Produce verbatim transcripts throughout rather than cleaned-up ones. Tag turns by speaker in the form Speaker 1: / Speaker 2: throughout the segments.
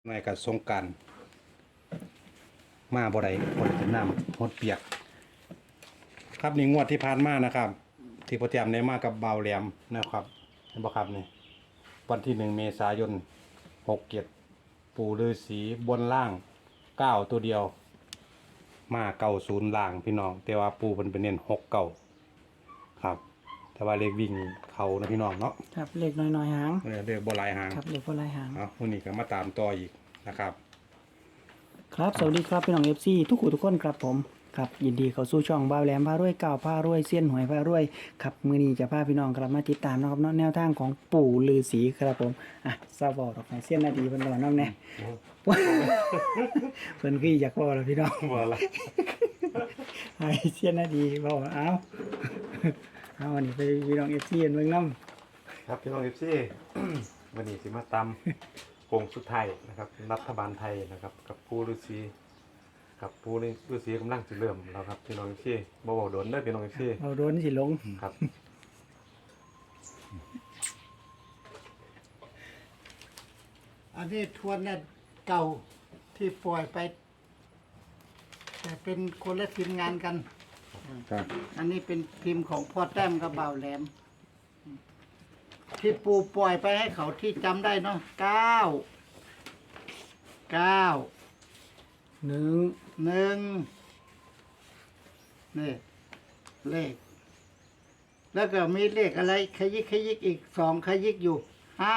Speaker 1: ในกับสงกรานต์มาบ่ได้บ่ได้เป็นน้ำหดเปียก ครับนี่งวดที่ผ่านมานะครับ ที่พ่อเตรียมได้มากับเบาแหลมนะครับเห็นบ่ครับนี่วันที่หนึ่งเมษายนหกเจ็ดปู่ฤาษีบนล่างเก้าตัวเดียว มาเก้าศูนย์ล่างพี่น้อง แต่ว่าปู่เพิ่นเป็นเน้นหกเก้าครับ แต่ว่าเลขวิ่งเขานะพี่น้องเนาะ
Speaker 2: ครับเล็กน้อยๆหาง
Speaker 1: เออเลขบ่หลายหาง
Speaker 2: ครับเล็กพอลายหาง
Speaker 1: เอาวันนี้ก็มาตามต่ออีกนะครับ
Speaker 2: ครับสวัสดีครับพี่น้องเอฟซีทุกคนทุกคนครับผมครับยินดีเข้าสู่ช่องบ่าวแหลมพารวยเก่าพารวยเซียนหวยพารวยครับมื้อนี้จะพาพี่น้องกลับมาติดตามนะครับเนาะแนวทางของปู่ฤาษีครับผมอ่ะซาบอดอกไม้เซียนนาดีเพิ่นบอกน้องแน่ เพิ่นคืออยากบอกแล้วพี่น้อง
Speaker 1: ว่าละ
Speaker 2: ให้เซียนนาดีบอกเอา เอาอันนี้ไปพี่น้องเอฟซีเบิ่งนำ
Speaker 1: ครับพี่น้องเอฟซี วันนี้สิมาตำโค้งสุดท้ายนะครับรัฐบาลไทยนะครับกับผู้ฤาษีกับผู้ฤาษีกำลังจะเริ่มแล้วครับพี่น้องเอฟซีบ่บอกโดนเด้อพี่น้องเอฟซี
Speaker 2: เอาโดนสิลง
Speaker 1: ครับ
Speaker 3: อันนี้ทวนเนี่ยเก่าที่ปล่อยไป แต่เป็นคนละทีมงานกัน
Speaker 1: ครับ
Speaker 3: อันนี้เป็นทีมของพ่อแต้มกับบ่าวแหลม ที่ปูปล่อยไปให้เขาที่จำได้เนาะเก้าเก้า
Speaker 2: หนึ่ง
Speaker 3: หนึ่งนี่เลข แล้วก็มีเลขอะไรขยิกขยิกอีกสองขยิกอยู่ห้า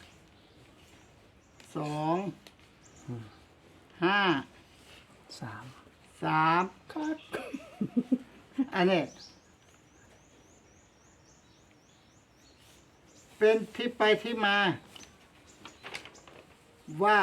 Speaker 3: สองห้า
Speaker 2: สาม
Speaker 3: สามอันนี้ เป็นที่ไปที่มา ว่า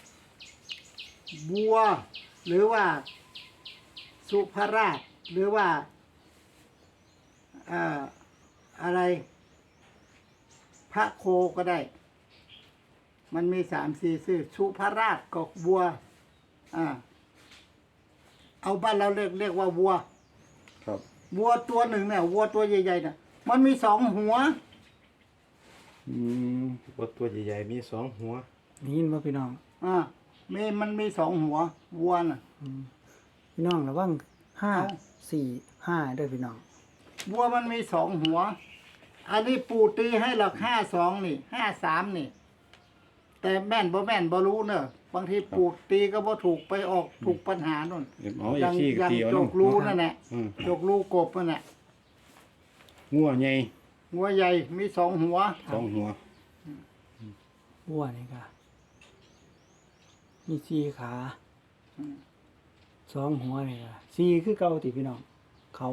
Speaker 3: บัว หรือว่า สุภราช หรือว่าอ่าอะไร พระโคก็ได้ มันมีสามสี่ชื่อสุภราชกอกบัว อ่า เอาบ้านเราเรียกเรียกว่าวัว
Speaker 1: ครับ
Speaker 3: วัวตัวหนึ่งเนี่ยวัวตัวใหญ่ๆเนี่ยมันมีสองหัว
Speaker 1: อืมวัวตัวใหญ่ๆมีสองหัว
Speaker 2: นี่ยินบ่พี่น้อง
Speaker 3: อ่ามีมันมีสองหัววัวน่ะ
Speaker 2: พี่น้องระวังห้า
Speaker 3: เอา
Speaker 2: สี่ห้าด้วยพี่น้อง
Speaker 3: วัวมันมีสองหัว อันนี้ปู่ตีให้หลักห้าสองนี่ห้าสามนี่ แต่แม่นบ่แม่นบ่รู้เนอะบางทีปู่ตีก็บ่ถูกไปออกถูกปัญหาโน่น
Speaker 1: อ๋อเอ
Speaker 3: ยั
Speaker 1: ฟซีก็
Speaker 3: ยั
Speaker 1: ตีเอา
Speaker 3: จ
Speaker 1: เนาะ
Speaker 3: กรูนั่นแหละ
Speaker 1: อืม
Speaker 3: จกรูกบนั่นแหละ
Speaker 1: งัวใหญ่
Speaker 3: หัวใหญ่มีสองหัว
Speaker 1: สองหัว
Speaker 2: วัวนี่ค่ะมีสี่ขาสองหัวนี่ค่ะสี่คือเก่าติพี่น้อง เขา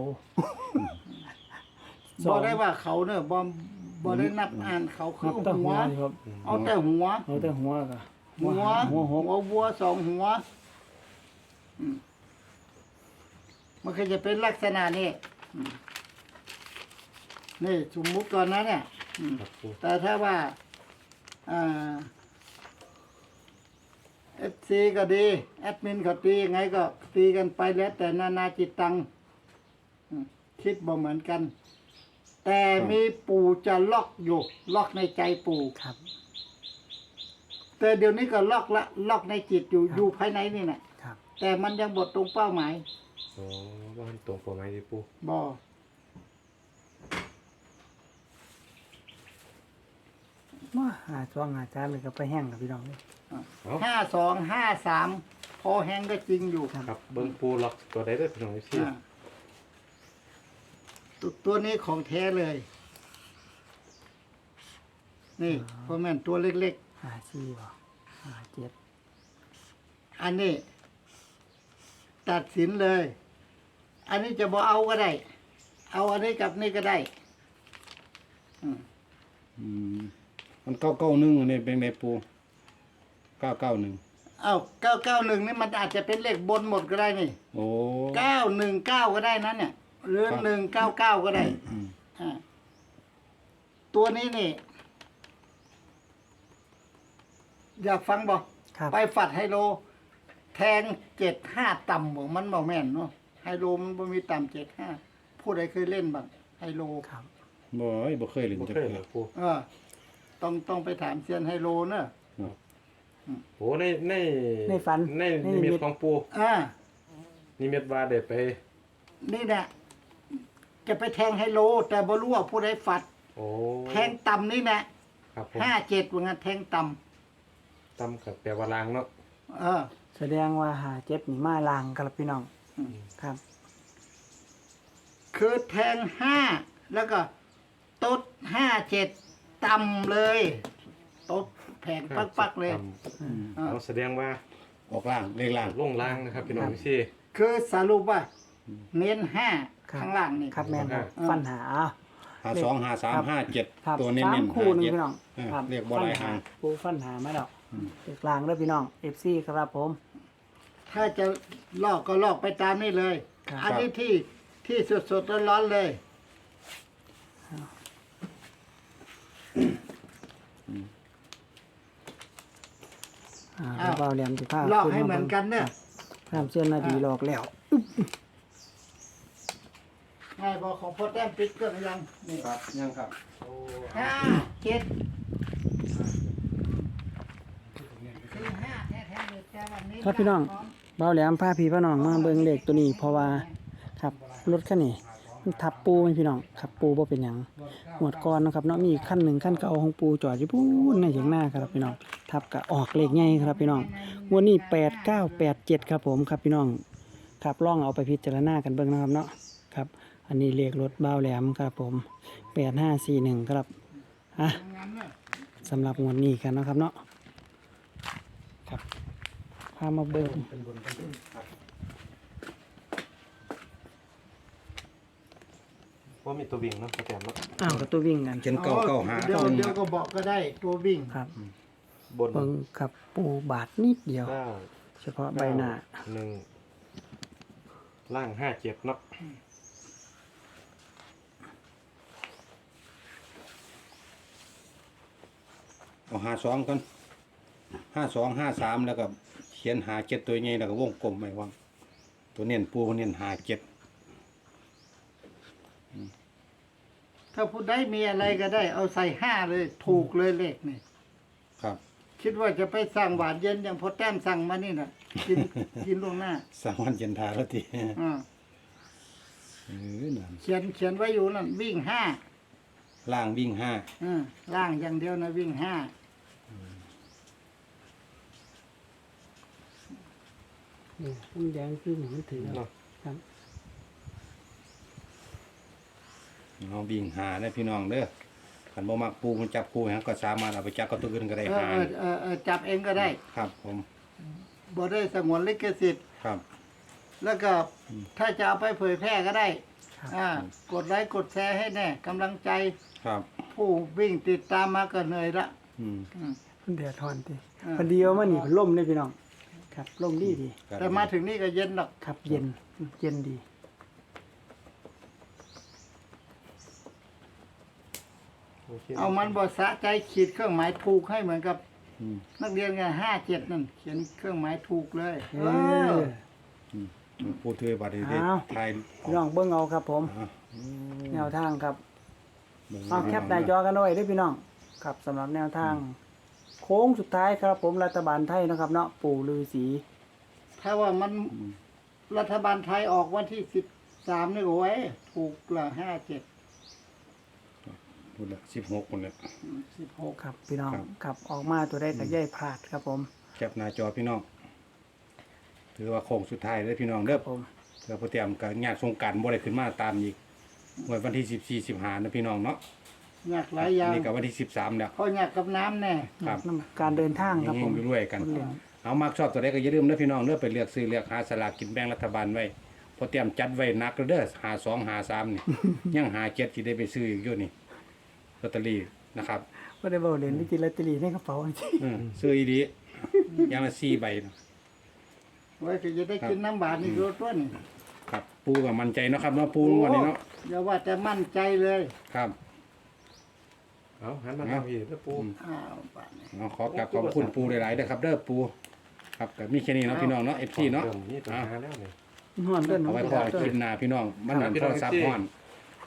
Speaker 2: ส
Speaker 3: บ่
Speaker 2: อง
Speaker 3: ได้ว่าเขาเนอะบ่บ่ได้นับอ่านเขาคื
Speaker 2: นั
Speaker 3: อบ
Speaker 2: แต่
Speaker 3: หั
Speaker 2: หั
Speaker 3: ว
Speaker 2: วนี่ครับ
Speaker 3: เอาแต่หัว
Speaker 2: เอาแต่หัวก็
Speaker 3: หัว
Speaker 2: หัวหก
Speaker 3: หัววัวสองหัวอืมมันก็จะเป็นลักษณะนี้อืมนี่สมมุติก่อนนะเนี่ยอืม
Speaker 1: ครับปู
Speaker 3: แต่ถ้าว่าอ่าเอฟซีก็ดี แอดมินก็ตียังไงก็ตีกันไปแล้ว แต่นานาจิตตังอืมคิดบ่เหมือนกัน แต่มีปู่จะล็อกอยู่ ล็อกในใจปู่
Speaker 2: ครับ
Speaker 3: แต่เดี๋ยวนี้ก็ล็อกละล็อกในจิตอยู่
Speaker 2: ครับ
Speaker 3: อยู่ภายในนี่แหละ
Speaker 2: ครับ
Speaker 3: แต่มันยังบดตรงเป้าหมาย
Speaker 1: อ๋อว่ามันตรงประมาณที่ปู
Speaker 3: บอ
Speaker 2: ว่าหาช่วงหาจานเลยก็ไปแห้งกับพี่น้องเลย
Speaker 1: เอา
Speaker 3: ห้าสองห้าสามพอแห้งก็จริงอยู่
Speaker 1: ครับเบิ้งปูล็อกตัวใดเด้อพี่น้องเอฟซี
Speaker 3: อ่าตัวตัวนี้ของแท้เลย นี่เพราะแม่นตัวเล็ก
Speaker 2: หาสี่บ่หาเจ็ด
Speaker 3: ๆ อันนี้ ตัดสินเลย อันนี้จะบอเอาก็ได้ เอาอันนี้กับนี่ก็ได้ อืม
Speaker 1: อืมมันเก้าเก้าหนึ่งอันนี้เป็นไงปูเก้าเก้าหนึ่ง
Speaker 3: เอาเก้าเก้าหนึ่งนี่มันอาจจะเป็นเลขบนหมดก็ได้นี่
Speaker 1: โอ้
Speaker 3: เก้าหนึ่งเก้าก็ได้นะเนี่ยหรือ
Speaker 1: ครับ
Speaker 3: หนึ่งเก้าเก้าก็ได้
Speaker 1: อืม
Speaker 3: อ่าตัวนี้นี่ อยากฟังบอก
Speaker 2: ครับ
Speaker 3: ไปฝัดไฮโล แทงเจ็ดห้าต่ำบอกมันบอกแม่นเนาะไฮโลมันบ่มีต่ำเจ็ดห้าผู้ใดเคยเล่นบ้างไฮโล
Speaker 2: ครับ
Speaker 1: บ่อยบ่เคยเล่น
Speaker 4: บ่
Speaker 1: จัก
Speaker 4: เคย
Speaker 1: เทื่
Speaker 4: เหร
Speaker 1: อ
Speaker 4: อปู
Speaker 3: เออ ต้องต้องไปถามเซียนไฮโลเนอะ
Speaker 1: ครับโอ้ในใน
Speaker 2: ในฝัน
Speaker 1: ใน
Speaker 2: ใน
Speaker 1: นิ
Speaker 2: นิมิ
Speaker 1: มิ
Speaker 2: ต
Speaker 1: ตของปู
Speaker 3: อ่า
Speaker 1: นิมิตว่าได้ไป
Speaker 3: นี่แหละจะไปแทงไฮโล แต่บ่รู้ว่าผู้ใดฝัด
Speaker 1: โอ้
Speaker 3: แทงต่ำนี่แหละ
Speaker 1: ครับผม
Speaker 3: ห้าเจ็ดว่างั้นแทงต่
Speaker 1: ตำกับแปลว่าลางเนาะ
Speaker 3: ำเออ
Speaker 2: แสดงว่าหาเจ็บนี่มาลางครับพี่น้อง
Speaker 3: อืม
Speaker 2: ครับ
Speaker 3: คือแทงห้าแล้วก็ตดห้าเจ็ดต่ำเลยตดแผงปักๆเลย
Speaker 1: ตำเอาแสดงว่า
Speaker 4: ออกล่างเลขล่าง
Speaker 1: ลงล่างนะครับพี่น้องพี่
Speaker 3: คือสรุปว่าเน้นห้า
Speaker 2: ครับ
Speaker 3: ข้างล่างนี่
Speaker 2: ครับแม่น
Speaker 1: ครับ
Speaker 2: ฟันหา
Speaker 4: หาสองหาสาม
Speaker 2: ครับ
Speaker 4: ห้าเจ็ด
Speaker 2: ครับ
Speaker 4: ตัวเน้น
Speaker 2: สาม
Speaker 4: เน้น
Speaker 2: คู่
Speaker 4: หา
Speaker 2: หนึง
Speaker 4: เจ็ด
Speaker 2: พี่น้อง
Speaker 4: เออ
Speaker 2: ครับ
Speaker 4: เรียกบ่หลายหาง
Speaker 2: ปูฟันหามาแล้วเด็กลางเด้อพี่น้อง เอฟ ซี ครับผม
Speaker 3: ถ้าจะลอกก็ลอกไปตามนี่เลย
Speaker 2: ครับ
Speaker 3: อันนี้ที่ที่สดๆร้อนๆเลย
Speaker 2: อ่า
Speaker 3: อ้าว
Speaker 2: เบาเหลี่ยมสิผ้า
Speaker 3: ลอกให้เหมือนกันเนี่ย
Speaker 2: ตามเส้นนาดีหลอกแล้ว
Speaker 3: ง่ายบอกของพ่อแต้มปิดเครื่องหรือยังนี่
Speaker 4: ครับยังครับ
Speaker 3: ห้าเจ็ดคือห้าแท้ๆเลยแต่วันนี้
Speaker 2: ครับพี่น้อง เบาแหลมพาพี่พาน้องมาเบิ่งเลขตัวนี้เพราะว่าครับรถคันนี้มันทับปูไหมพี่น้องครับปูบ่เป็นหยังหมวดก่อนเนาะครับเนาะมีอีกคันหนึ่งคันเก่าของปูจอดอยู่ปูนในอย่างหน้าครับพี่น้องทับกะออกเลขใหญ่ครับพี่น้องงวดนี้แปดเก้าแปดเจ็ดครับผมครับพี่น้องครับลองเอาไปพิจารณากันเบิ่งนะครับเนาะครับ อันนี้เลขรถเบาแหลมครับผมแปดห้าสี่หนึ่งครับอ่ะสำหรับงวดนี้กันเนาะครับเนาะครับพามาเบิ่ง
Speaker 1: ว่ามีตัววิ่งเนาะประแตมเนาะ
Speaker 2: อ้าวกับตัววิ่งกัน
Speaker 4: เขียนเก้าเก้าหา
Speaker 3: เดี๋ยว
Speaker 4: เก้าห
Speaker 3: เดี๋ยว
Speaker 4: นึ่ง
Speaker 3: ก็บอกก็ได้ตัววิ่ง
Speaker 2: ครับ
Speaker 1: บน
Speaker 2: เบิ่งกับปูบาทนิดเดียว
Speaker 1: เก้า
Speaker 2: เฉพาะใบหน้า
Speaker 1: หนึ่งล่างห้าเจ็ดเนาะ
Speaker 4: เอาหาสองกันห้าสองห้าสามแล้วก็เขียนหาเจ็ดตัวใหญ่แล้วก็วงกลมไว้ว่างตัวเน้นปูเน้นหาเจ็ด
Speaker 3: ถ้าผู้ใดมีอะไรก็ได้ เอาใส่ห้าเลยถูกเลยเลขนี่
Speaker 4: ครับ
Speaker 3: คิดว่าจะไปสั่งหวานเย็นอย่างพ่อแต้มสั่งมานี่น่ะ กิน กินล่วงหน้า
Speaker 4: สามวันเย็นทาแล้วที
Speaker 3: อ่า
Speaker 4: เออนั่น
Speaker 3: เขียนเขียนไว้อยู่นั่นวิ่งห้า
Speaker 4: ล่างวิ่งห้า
Speaker 3: อืมล่างอย่างเดียวนะวิ่งห้า
Speaker 2: นี่มันแดงขึ้นมันถือ
Speaker 1: เนาะ
Speaker 2: ครับ
Speaker 4: เอาวิ่งหาได้พี่น้องเด้อขันบ่มักปูมันจับปูฮะก็สามารถเอาไปจับกับตัวอื่นก็ได้
Speaker 3: เออ
Speaker 4: หา
Speaker 3: เออเออเออจับเองก็ได้
Speaker 4: ครับผม
Speaker 3: บ่ได้สงวนลิขสิทธิ์
Speaker 4: ครับ
Speaker 3: แล้วก็ถ้าจะเอาไปเผยแพร่ก็ได้
Speaker 2: ครับ
Speaker 3: อ่ากดไลค์กดแชร์ให้แน่กำลังใจ
Speaker 4: ครับ
Speaker 3: ผู้วิ่งติดตามมาก็เหนื่อยละ
Speaker 4: อืม
Speaker 3: อืม
Speaker 2: มันเดือดร้อนติ
Speaker 3: อ่า
Speaker 2: พอดีว่ามันนี่ล่มเลยพี่น้อง ครับล่มดีดี
Speaker 3: แต่มาถึงนี่ก็เย็นหรอก
Speaker 2: ครับเย็นเย็นดี
Speaker 1: โค
Speaker 3: เอามันบ่สะใจขีดเครื่องหมายถูกให้เหมือนกับ
Speaker 4: อืม
Speaker 3: นักเรียนกันห้าเจ็ดนั่นเขียนเครื่องหมายถูกเลย
Speaker 2: เอ
Speaker 3: เอ
Speaker 2: อ
Speaker 3: อ
Speaker 4: พูดถึงบัตรนี้
Speaker 2: อ้าว
Speaker 4: ไทย
Speaker 2: พี่น้องเบิ่งเอาครับผม
Speaker 4: อ่ะ
Speaker 2: แนวทางครับ
Speaker 4: เบิ่ง
Speaker 2: เอาแคปหน้าจอกันไว้ด้วยพี่น้องครับสำหรับแนวทาง โค้งสุดท้ายครับผมรัฐบาลไทยนะครับเนาะปู่ฤาษี
Speaker 3: ถ้าว่ามันรัฐบาลไทยออกวันที่สิบสามนี่โอ้ยถูกละห้าเจ็ด
Speaker 4: พูดละสิบหกคนเลย
Speaker 3: สิบหก
Speaker 2: ครับพี่น้อง
Speaker 4: ครับ
Speaker 2: ครับออกมาตัวได้กับย่ายพลาดครับผม
Speaker 4: แคปหน้าจอพี่น้อง ถือว่าโค้งสุดท้ายเลยพี่น้องเด้อ
Speaker 2: ผม
Speaker 4: เพื่อพอเตรียมกับงานสงกรารบ่ได้ขึ้นมาตามอีกวันที่สิบสี่สิบห้านะพี่น้องเนาะ
Speaker 3: อยากหลายอย่าง
Speaker 4: นี่ก็วันที่สิบสามแล้ว
Speaker 3: เพราะอยากกับน้ำแน่
Speaker 4: ครับ
Speaker 2: น้ำการเดินทางครับ
Speaker 4: เฮ
Speaker 2: ผ
Speaker 4: ง
Speaker 2: ม
Speaker 4: ๆรวยๆกัน
Speaker 2: คนเรียน
Speaker 4: เอามากชอบตัวใดก็อย่าลืมนะพี่น้องเด้อไปเลือกซื้อเลือกหาสลากกินแบ่งรัฐบาลไว้พอเตรียมจัดไว้หนักแล้วเด้อหาสองหาสามนี่ ยังหาเจ็ดที่ได้ไปซื้ออีกอยู่นี่ลอตเตอรี่นะครับ
Speaker 2: ก็ได้บอกเรียนวิจิตรลอตเตอรี่ในกระเป๋าจริง
Speaker 4: เออซื้ออีดีอย่างละสี่ใบนะ
Speaker 3: ไว้ก็จะได้กินน้ำบาดนี่รถต้น
Speaker 4: ครับ ปูก็มั่นใจเนาะครับเนาะปูวันนี้เนาะ
Speaker 3: อย่าว่าแต่มั่นใจเลย
Speaker 4: ครับ
Speaker 1: เอาหันมาทางพี่แล้วปู
Speaker 3: อ้าวบาดนี่
Speaker 4: เอาขอกราบขอบคุณปูหลายๆเด้อครับเด้อปูครับก็มีแค่นี้เนาะพี่น้องเนาะเอฟซีเนาะ
Speaker 1: ริ่มนี่ตัว
Speaker 4: อ่ะ
Speaker 1: หาแล้วนี่
Speaker 2: ห่อนเดิน
Speaker 4: เอาไว้พอคลิปหน้าพี่น้องมันเหมือนโทรศัพท์ฮ้อน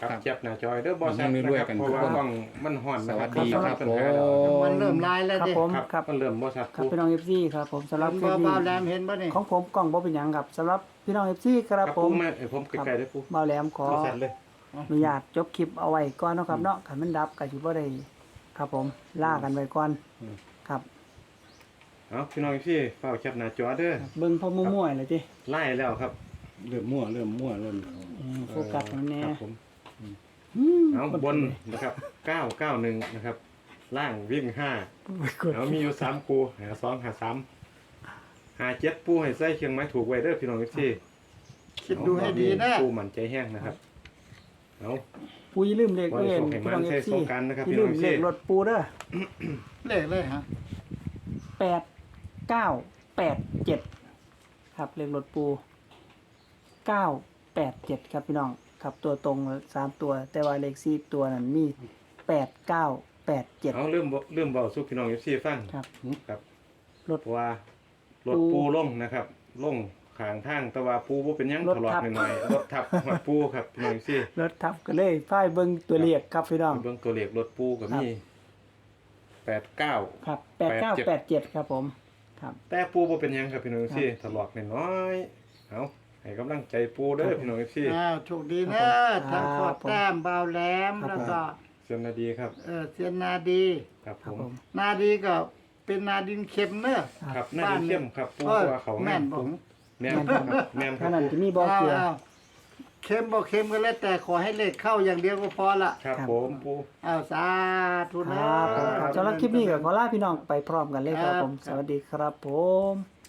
Speaker 1: ครับ
Speaker 4: ครับ
Speaker 1: เจ็บหน้าจอยเด้อบ่ชัด
Speaker 4: มันมี
Speaker 1: นะ
Speaker 4: ด้วย
Speaker 1: ครับ
Speaker 4: กัน
Speaker 1: เพราะว่า
Speaker 4: ทุกคน
Speaker 1: กล้องมันห่อนนะ
Speaker 4: สวัส
Speaker 1: ค
Speaker 4: ดี
Speaker 1: รับ
Speaker 4: ครับ
Speaker 1: ปัญหาแล้ว
Speaker 4: ผม
Speaker 3: มันเริ่มลายแล้ว
Speaker 2: ครับ
Speaker 3: ดิ
Speaker 2: ผม
Speaker 1: ครับ
Speaker 2: ครับ
Speaker 1: มันเริ่มบ่ชัด
Speaker 2: ครับ
Speaker 1: ปู
Speaker 2: พี่น้องเอฟซีครับผมสำหรับคลิ
Speaker 3: บ่
Speaker 2: ป
Speaker 3: เบา
Speaker 2: นี้
Speaker 3: แหลมเห็นบ่นี่
Speaker 2: ของผมกล่องบ่เป็นหยังครับสำหรับพี่น้องเอฟซีครับ
Speaker 1: ครับ
Speaker 2: ผ
Speaker 1: ปู
Speaker 2: ม
Speaker 1: มาเอ้ยผมใกล้ๆได้อปู
Speaker 2: เบาแหลมขอ
Speaker 1: บ่ชัดเลย
Speaker 2: อนุญาตจบคลิปเอาไว้ก่อนเนาะครับเนาะคันมันดับก็สิบ่ได้ครับผมล่ากันไว้ก่อนครับ
Speaker 1: เอาพี่น้องพี่เฝ้าแคปหน้าจอเด้อ
Speaker 2: เบิ่งพอมั่วๆเลยติ
Speaker 1: ไล่แล้วครับ
Speaker 4: เริ่มมั่วเริ่มมั่วเริ่ม
Speaker 2: อืมโฟกัสมันแน่
Speaker 1: ครับผม
Speaker 2: อืม
Speaker 1: เอาบนนะครับเก้าเก้าหนึ่งนะครับ ล่างวิ่งห้า
Speaker 2: กด
Speaker 1: เอามีอยู่สามคูหาสองหาสามหาเจ็ดปูให้ใส่เคียงไม้ถูกไว้เด้อพี่น้องพี่
Speaker 3: คิดดูให้ดีนะ
Speaker 1: ปูมันใจแห้งนะครับเอา
Speaker 2: ปูอย่าลืมเลข
Speaker 1: ไว้
Speaker 2: เด้อ
Speaker 1: ส่งให้
Speaker 2: พี่น้อง
Speaker 1: มัน
Speaker 2: เอ
Speaker 1: ใช้
Speaker 2: ฟซี
Speaker 1: สงกรานต์นะครับ
Speaker 2: อย่า
Speaker 1: พี่
Speaker 2: ลื
Speaker 1: น้อ
Speaker 2: ม
Speaker 1: ง
Speaker 2: เล
Speaker 1: พี่
Speaker 2: ขรถปูเด้อ
Speaker 3: เลขเลยฮะ
Speaker 2: แปดเก้าแปดเจ็ดครับเลขรถปูเก้าแปดเจ็ดครับพี่น้องครับตัวตรงสามตัว แต่ว่าเลขสี่ตัวนั้นมีแปดเก้าแปดเจ็ด
Speaker 1: เอาเริ่มบ่เริ่มเบาสู้พี่น้องพี่ฟัง
Speaker 2: ครับ
Speaker 1: ครับ
Speaker 2: รถ
Speaker 1: เพราะว่ารถ
Speaker 2: ปู
Speaker 1: ปูลงนะครับลงขางทางแต่ว่าปูบ่เป็นหยัง
Speaker 2: รถ
Speaker 1: ถลอก
Speaker 2: ทับ
Speaker 1: หน่อยๆรถทับหัวปูครับพี่น้องพี่
Speaker 2: รถทับก็เลยพ่ายเบิ้งตัวเลขครับพี่น้อง
Speaker 1: เบื้องตัวเลขรถปูก็มีแปดเก้า
Speaker 2: ครับแปดเก้าแปดเจ็ดครับผมครับ
Speaker 1: แต่ปูบ่เป็นหยังครับพี่น้องพี่ถลอกน้อยๆเอาให้กำลังใจปูเด้อพี่น้องพี่
Speaker 3: อ้าวโชคดีนะทั้งโคตรแต้มเบาแหลมแล้วก็
Speaker 1: เสียนาดีครับ
Speaker 3: เออเซียนนาดี
Speaker 1: ครับ
Speaker 2: ครั
Speaker 1: ผ
Speaker 2: บ
Speaker 1: ม
Speaker 2: ผม
Speaker 3: นาดีก็เป็นนาดินเค็มเนอะ
Speaker 1: ครับน่าจะเข้มครับปู
Speaker 3: เออ
Speaker 1: ว่าเขา
Speaker 3: แม่น
Speaker 1: ผ
Speaker 3: ผม
Speaker 1: มแม่นครับแม่นค
Speaker 2: ท่า
Speaker 1: รับ
Speaker 2: นั้น
Speaker 1: ปู
Speaker 2: จะมีบ่อเกลือ
Speaker 3: าวๆเค็มบ่เค็มก็แล้วแต่ขอให้เลขเข้าอย่างเดียวก็พอละ
Speaker 1: ครับ
Speaker 2: ครับ
Speaker 1: ผมปู
Speaker 3: อ้าวสาธุ
Speaker 2: ค
Speaker 3: นะ
Speaker 2: รับผมครับสำหรับคลิปนี้ก็ขอลาพี่น้องไปพร้อมกันเลยครับผม
Speaker 3: ครับ
Speaker 2: สวัสดีครับผม